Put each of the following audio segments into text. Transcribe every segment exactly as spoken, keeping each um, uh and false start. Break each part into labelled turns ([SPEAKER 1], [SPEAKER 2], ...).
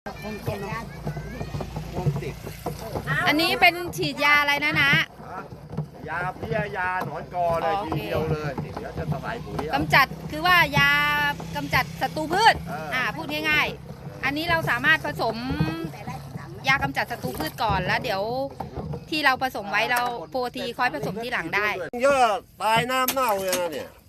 [SPEAKER 1] อันนี้เป็นฉีดยาอะไรนะนะ
[SPEAKER 2] ยาเพี้ยยาหนอนกอเลยทีเดียวเลยเดี๋ยวจะใส่ปุ๋ย
[SPEAKER 1] กำจัดคือว่ายากำจัดศัตรูพืชอ่าพูดง่ายๆอันนี้เราสามารถผสมยากำจัดศัตรูพืชก่อนแล้วเดี๋ยวที่เราผสมไว้เราโปรตีค่อยผสมที่หลังได้
[SPEAKER 2] เยอะตายน้ำเน่าเลยนะเนี่ย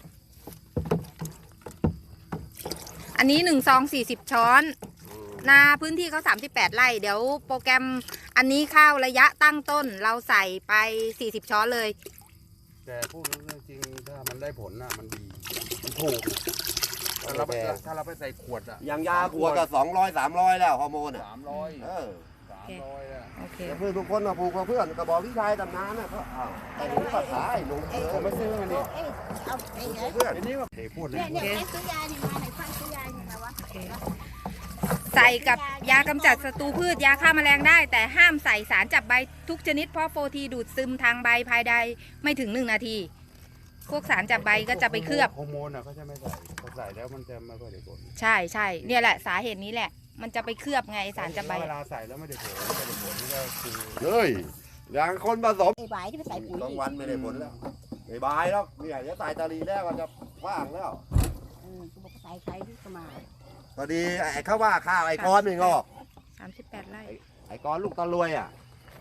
[SPEAKER 1] อันนี้หนึ่งซองสี่สิบช้อนนาพื้นที่เขาสามสิบแปดไร่เดี๋ยวโปรแกรมอันนี้ข้าวระยะตั้งต้นเราใส่ไปสี่สิบช้อนเลย
[SPEAKER 3] แต่พูดเรื่องจริงถ้ามันได้ผลน่ะมันดีมันถูกถ้าเราไปถ้าเราไปใส่ขวดอ่ะ
[SPEAKER 2] อย่างยาขวดก็สองร้อยสามร้อยแล้วฮอร์โมนอ่ะ
[SPEAKER 3] สามร้อย
[SPEAKER 2] เออ
[SPEAKER 3] สามร้อยอ่ะ
[SPEAKER 1] โอเค
[SPEAKER 2] เพื่อนทุกคนมาปลูกกับเพื่อนกระบอกวิชัยตำนานน่ะเขาอ้าวแต่หนูภาษาไอ้หนู
[SPEAKER 3] ผมไม่ซื้อมันนี่
[SPEAKER 2] เพื่อน
[SPEAKER 3] อันนี้ว่าเทพูดเลย
[SPEAKER 4] เนี่ยเนี่ยซื้อยาเนี่ยมาไหนฟังซื้อยาเนี่ยมาวะ
[SPEAKER 1] ใส่กับยากำจัดศัตรูพืชยาฆ่าแมลงได้แต่ห้ามใส่สารจับใบทุกชนิดเพราะโฟทีดูดซึมทางใบภายในไม่ถึงหนึ่งนาทีพวกสารจับใบก็จะไปเคลือบ
[SPEAKER 3] ฮอร์โมนอ่ะเขาจะไม่ใส่พอใส่แล้วมันจะไม่ค่อยได้ผล
[SPEAKER 1] ใช่ใช่เนี่ยแหละสาเหตุนี้แหละมันจะไปเคลือบไงสารจับใบ
[SPEAKER 3] เวลาใส่แล้วไม่ได้ผลไม่ได้ผลนี่ก็คือ
[SPEAKER 2] เฮ้ยอย่างคนผสม
[SPEAKER 4] ไอ้ใบที่ไปใส่ปุ๋ย
[SPEAKER 2] กลางวันไม่ได้ผลแล้วไม่บายแล้วเนี่ยเดี๋ยวใส่ตาลีแล้วก็จะว่างแล้ว
[SPEAKER 4] อืมบอกใส่ใครที่ก็มา
[SPEAKER 2] พอดีไอ้เขาว่าข้าวไอ้ก้อนไม่งอก
[SPEAKER 1] สามสิบแปดไร่
[SPEAKER 2] ไอ้ก้อนลูกตะลวยอ่ะ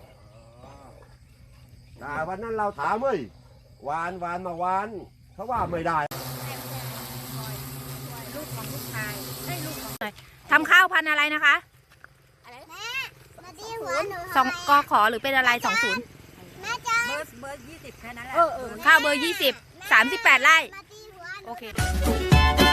[SPEAKER 2] แต่วันนั้นเราถามเฮ้ยวานวานมาวานเขาว่าไม่ได้
[SPEAKER 1] ลูกของลูกชายให้ลูกของทำข้าวพันธุ์อะไรนะคะสองกขอหรือเป็นอะไรสองศูนย์
[SPEAKER 4] เบอร์เบอร์ยี่สิบแค่นั้นแหละ
[SPEAKER 1] ข้าวเบอร์ยี่สิบสามสิบแปดไร่โอเค